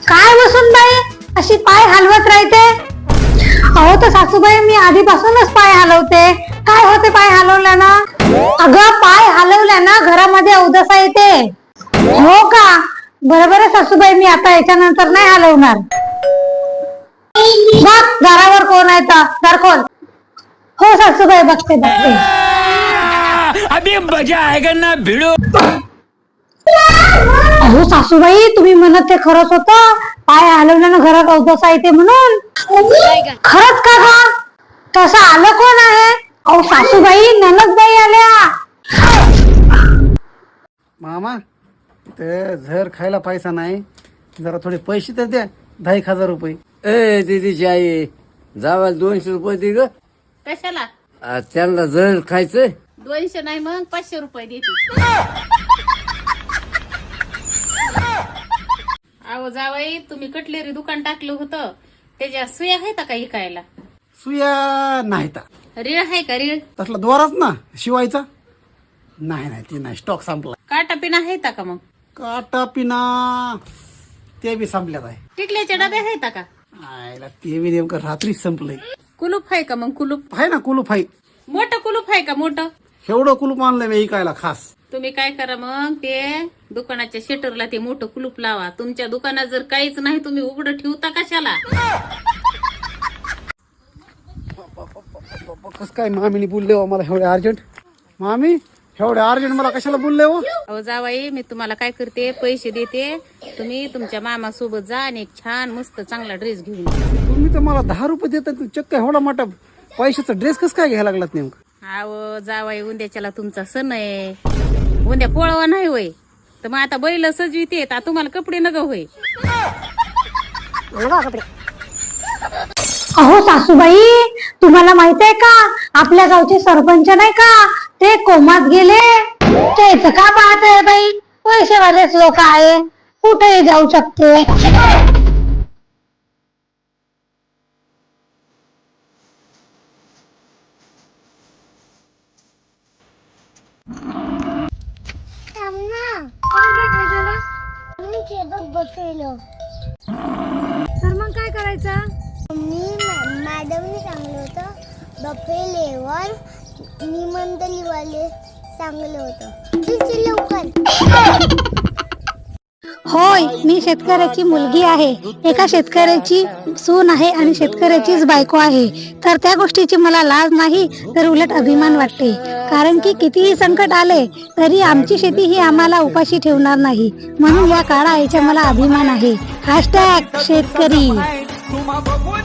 काय बसून बाई अशी पाय हलवत राहते? अहो तर सासूबाई मी आधीपासूनच पाय हलवते. काय होते पाय हलवल्यानं? अगं पाय हलवल्यानं घरामध्ये अवदसा येते. हो का? बरोबर आहे सासूबाई, मी आता याच्यानंतर नाही हलवणार. बघ दारावर कोण आहे तर दार खोल. हो सासूबाई, बघते बघते. अभी मजा आएगा ना भिड़ो. अहो सासूबाई, तुम्ही म्हणत ते खरंच होतं, पाय हलवल्यानं घरात अवदसा येते म्हणून. खरंच का गा? तसं आलं कोण आहे? अहो सासूबाई, ननदबाई आल्या. मामा ते झर खायला पैसा नाही, जरा थोडे पैसे तर द्या. 10,000 रुपये. ए दीदीची आई, जावा 200 रुपये दे ग. कशाला? त्यांना जर खायचंय. 200 नाही मग 500 रुपये देते. अहो जावाई, तुम्ही कटलेरी दुकान टाकलं होतं, त्याच्या सुया आहेत का इकायला? सुया नाही ता. रीळ आहे का रीळ? तसला द्वाराच ना शिवायचा. नाही ती नाही, स्टॉक संपला. काटा पिना आहेत का मग? काटा पिना ते बी संपल्यात आहे. टिकल्याचे डबे आहेत का? आयला ते बी नेमकं रात्रीच संपलंय. कुलूप आहे का मग? कुलूप आहे ना, कुलूप आहे. मोठं कुलूप आहे का? मोठं एवढं कुलूप आणलंय मी इकायला खास. तुम्ही काय करा मग, ते दुकानाच्या शटरला ते मोठं कुलूप लावा. तुमच्या दुकानात जर काहीच नाही, तुम्ही उघडं ठेवता कशाला? कस काय मामीने बोलले हो मला एवढे अर्जंट? मामी एवढे अर्जंट मला कशाला बोलले हो? अहो जावाई, मी तुम्हाला काय करते, पैसे देते. तुम्ही तुमच्या मामा सोबत जा आणि एक छान मस्त चांगला ड्रेस घेऊन या. तुम्ही तर मला 10 रुपये देतात, चक्क एवढा मोठा पैशाचा ड्रेस कस काय घ्यायला लागलात नेमकं? अहो जावाई, उद्याच्याला तुमचा सण आहे. उद्या पोळवा नाही होय, तर मग आता बैल सजविते, तुम्हाला कपडे नग होय. अहो सासूबाई, तुम्हाला माहित आहे का, आपल्या गावचे सरपंच नाही का, ते कोमात गेले. तेच का पाहत आहे बाई, पैसेवालेच लोक आहे, कुठेही जाऊ शकते. तर मग काय करायचं? मॅडमने सांगलं होतं बफेलेवर निबंध लिवायला सांगलं होतं. लवकर. होय, मी शेतकऱ्याची मुलगी आहे, एका शेतकऱ्याची सून आहे आणि शेतकऱ्याचीच बायको आहे. तर त्या गोष्टीची मला लाज नाही, तर उलट अभिमान वाटते. कारण की कितीही संकट आले तरी आमची शेती ही आम्हाला उपाशी ठेवणार नाही, म्हणून या काळा आईचा मला अभिमान आहे. # शेतकरी.